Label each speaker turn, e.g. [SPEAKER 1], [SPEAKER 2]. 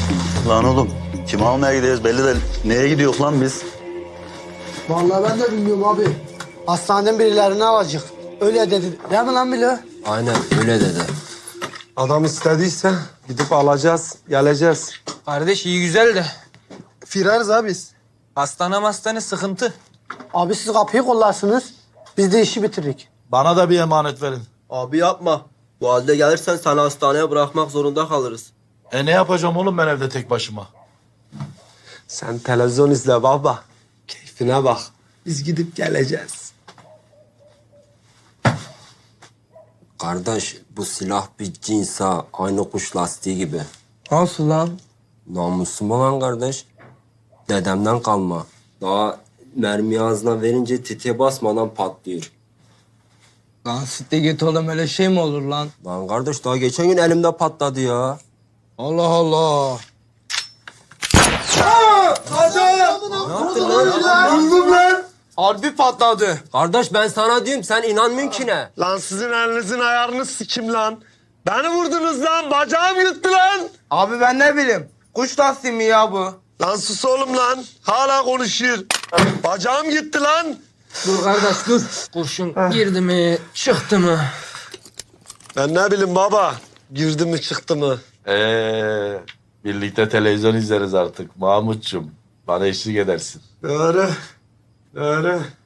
[SPEAKER 1] Lan oğlum kim almaya gidiyoruz belli de neye gidiyoruz lan biz?
[SPEAKER 2] Vallahi ben de bilmiyorum abi. Hastaneden birilerini alacak. Öyle dedi. Değil mi lan Bilo?
[SPEAKER 3] Aynen öyle dedi.
[SPEAKER 4] Adam istediyse gidip alacağız, geleceğiz.
[SPEAKER 5] Kardeş iyi güzel de
[SPEAKER 4] Firarız abi biz.
[SPEAKER 5] hastane sıkıntı.
[SPEAKER 2] Abi siz kapıyı kollarsınız. Biz de işi bitiririk.
[SPEAKER 6] Bana da bir emanet verin.
[SPEAKER 3] Abi yapma. Bu halde gelirsen seni hastaneye bırakmak zorunda kalırız.
[SPEAKER 6] Ne yapacağım oğlum ben evde tek başıma?
[SPEAKER 4] Sen televizyon izle baba. Keyfine bak. Biz gidip geleceğiz.
[SPEAKER 3] Kardeş bu silah bir cinsa aynı kuş lastiği gibi.
[SPEAKER 5] Nasıl lan?
[SPEAKER 3] Namusum olan kardeş. Dedemden kalma. Daha mermi ağzına verince tetiğe basmadan patlıyor.
[SPEAKER 5] Lan sitte git oğlum öyle şey mi olur lan?
[SPEAKER 3] Lan kardeş daha geçen gün elimde patladı ya.
[SPEAKER 5] Allah Allah. Harbi patladı.
[SPEAKER 3] Kardeş ben sana diyorum sen inanmıyorsun ki ne?
[SPEAKER 4] Lan sizin elinizin ayarını sikim lan. Beni vurdunuz lan. Bacağım yırttı lan.
[SPEAKER 5] Abi ben ne bileyim. Kuş lastiği mi ya bu?
[SPEAKER 4] Lan sus oğlum lan. Hala konuşuyor. Bacağım gitti lan.
[SPEAKER 5] Dur kardeş dur. Kurşun girdi mi çıktı mı?
[SPEAKER 4] Ben ne bileyim baba. Girdi mi çıktı mı?
[SPEAKER 6] Birlikte televizyon izleriz artık Mahmutçum. Bana eşlik edersin.
[SPEAKER 4] Doğru. Doğru.